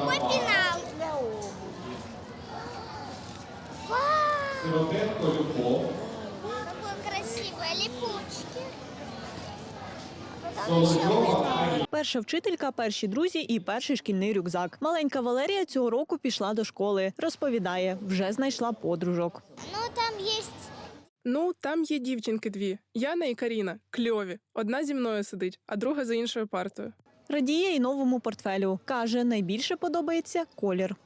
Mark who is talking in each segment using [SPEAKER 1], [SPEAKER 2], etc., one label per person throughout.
[SPEAKER 1] Какой пенал? Вау! Какой красивый, липучки.
[SPEAKER 2] Перша вчителька, перші друзі і перший шкільний рюкзак. Маленька Валерія цього року пішла до школи. Розповідає, вже знайшла подружок.
[SPEAKER 3] Там є дівчинки дві. Яна і Каріна. Кльові. Одна зі мною сидить, а друга за іншою партою.
[SPEAKER 2] Радіє й новому портфелю. Каже, найбільше подобається колір.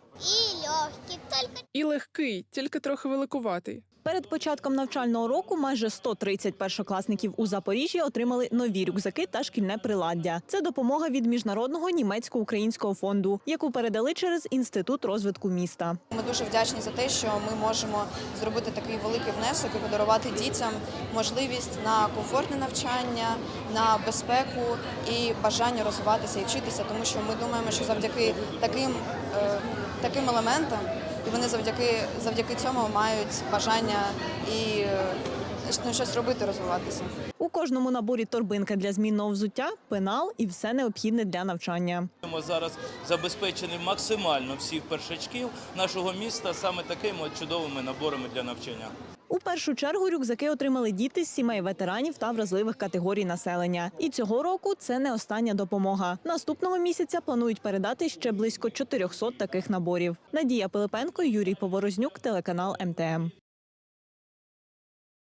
[SPEAKER 3] І легкий, тільки трохи великуватий.
[SPEAKER 2] Перед початком навчального року майже 130 першокласників у Запоріжжі отримали нові рюкзаки та шкільне приладдя. Це допомога від Міжнародного німецько-українського фонду, яку передали через Інститут розвитку міста.
[SPEAKER 4] Ми дуже вдячні за те, що ми можемо зробити такий великий внесок і подарувати дітям можливість на комфортне навчання, на безпеку і бажання розвиватися і вчитися, тому що ми думаємо, що завдяки таким елементам і вони завдяки цьому мають бажання і щось робити, розвиватися.
[SPEAKER 2] У кожному наборі торбинка для змінного взуття, пенал і все необхідне для навчання.
[SPEAKER 5] Ми зараз забезпечені максимально всіх першачків нашого міста саме такими чудовими наборами для навчання.
[SPEAKER 2] У першу чергу рюкзаки отримали діти з сімей ветеранів та вразливих категорій населення. І цього року це не остання допомога. Наступного місяця планують передати ще близько 400 таких наборів. Надія Пилипенко, Юрій Поворознюк, телеканал МТМ.